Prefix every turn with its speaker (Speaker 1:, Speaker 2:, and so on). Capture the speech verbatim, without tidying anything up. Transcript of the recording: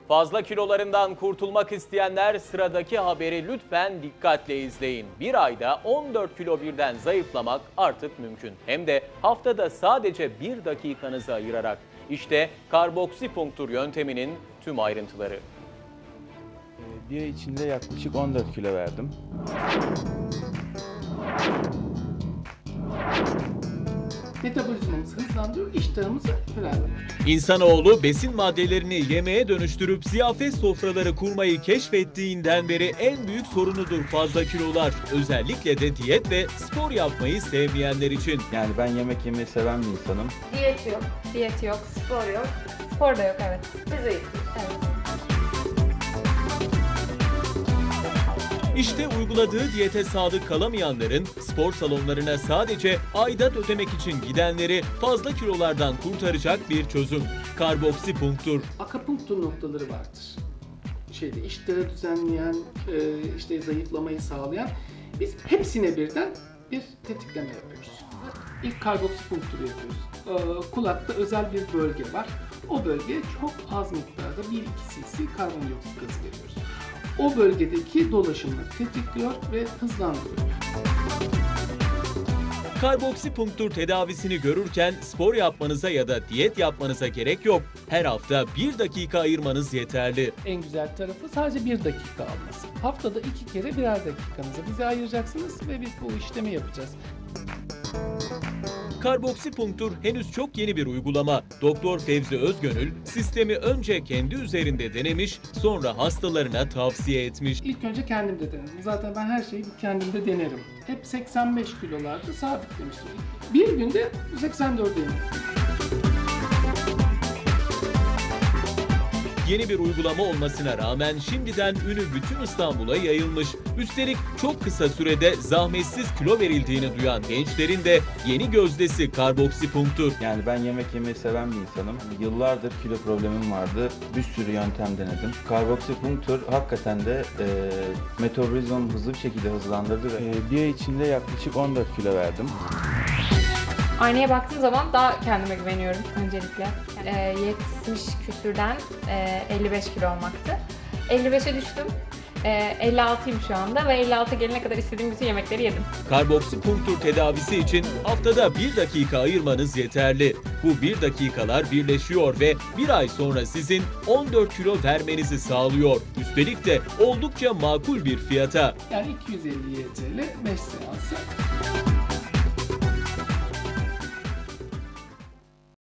Speaker 1: Fazla kilolarından kurtulmak isteyenler sıradaki haberi lütfen dikkatle izleyin. Bir ayda on dört kilo birden zayıflamak artık mümkün. Hem de haftada sadece bir dakikanızı ayırarak. İşte karboksipunktur yönteminin tüm ayrıntıları.
Speaker 2: Bir ay içinde yaklaşık on dört kilo verdim.
Speaker 3: Metabolizmamızı hızlandırıyor, iştahımızı frenliyor.
Speaker 4: İnsanoğlu besin maddelerini yemeğe dönüştürüp ziyafet sofraları kurmayı keşfettiğinden beri en büyük sorunudur fazla kilolar. Özellikle de diyet ve spor yapmayı sevmeyenler için.
Speaker 2: Yani ben yemek yemeyi seven bir insanım.
Speaker 5: Diyet yok, diyet yok, spor yok. Spor da yok, evet. Biz zayıfız, evet.
Speaker 4: İşte uyguladığı diyete sadık kalamayanların, spor salonlarına sadece aidat ödemek için gidenleri fazla kilolardan kurtaracak bir çözüm. Karboksipunktur.
Speaker 3: Akupunktur noktaları vardır. Şeyde iştahı düzenleyen, e, işte zayıflamayı sağlayan. Biz hepsine birden bir tetikleme yapıyoruz. İlk karboksipunkturu yapıyoruz. E, kulakta özel bir bölge var. O bölgeye çok az miktarda bir iki cc karbondioksit gazı veriyoruz. O bölgedeki dolaşımı tetikliyor ve hızlandırıyor.
Speaker 4: Karboksipunktur tedavisini görürken spor yapmanıza ya da diyet yapmanıza gerek yok. Her hafta bir dakika ayırmanız yeterli.
Speaker 3: En güzel tarafı sadece bir dakika alması. Haftada iki kere birer dakikanızı bize ayıracaksınız ve biz bu işlemi yapacağız.
Speaker 4: Karboksipunktur henüz çok yeni bir uygulama. Doktor Fevzi Özgönül sistemi önce kendi üzerinde denemiş, sonra hastalarına tavsiye etmiş.
Speaker 3: İlk önce kendimde denedim. Zaten ben her şeyi kendimde denerim. Hep seksen beş kilolarda sabitlemiştim. Bir günde seksen dörde indim.
Speaker 4: Yeni bir uygulama olmasına rağmen şimdiden ünü bütün İstanbul'a yayılmış. Üstelik çok kısa sürede zahmetsiz kilo verildiğini duyan gençlerin de yeni gözdesi karboksipunktur.
Speaker 2: Yani ben yemek yemeyi seven bir insanım. Yıllardır kilo problemim vardı. Bir sürü yöntem denedim. Karboksipunktur hakikaten de e, metabolizmamı hızlı bir şekilde hızlandırdı ve e, bir ay içinde yaklaşık on dört kilo verdim.
Speaker 5: Aynaya baktığım zaman daha kendime güveniyorum öncelikle. Ee, yetmiş küsürden e, elli beş kilo olmaktı. elli beşe düştüm. E, elli altıyım şu anda ve elli altı gelene kadar istediğim bütün yemekleri yedim.
Speaker 4: Karboksipunktur tedavisi için haftada bir dakika ayırmanız yeterli. Bu bir dakikalar birleşiyor ve bir ay sonra sizin on dört kilo vermenizi sağlıyor. Üstelik de oldukça makul bir fiyata.
Speaker 3: Yani iki yüz elli Y T L beş seansı.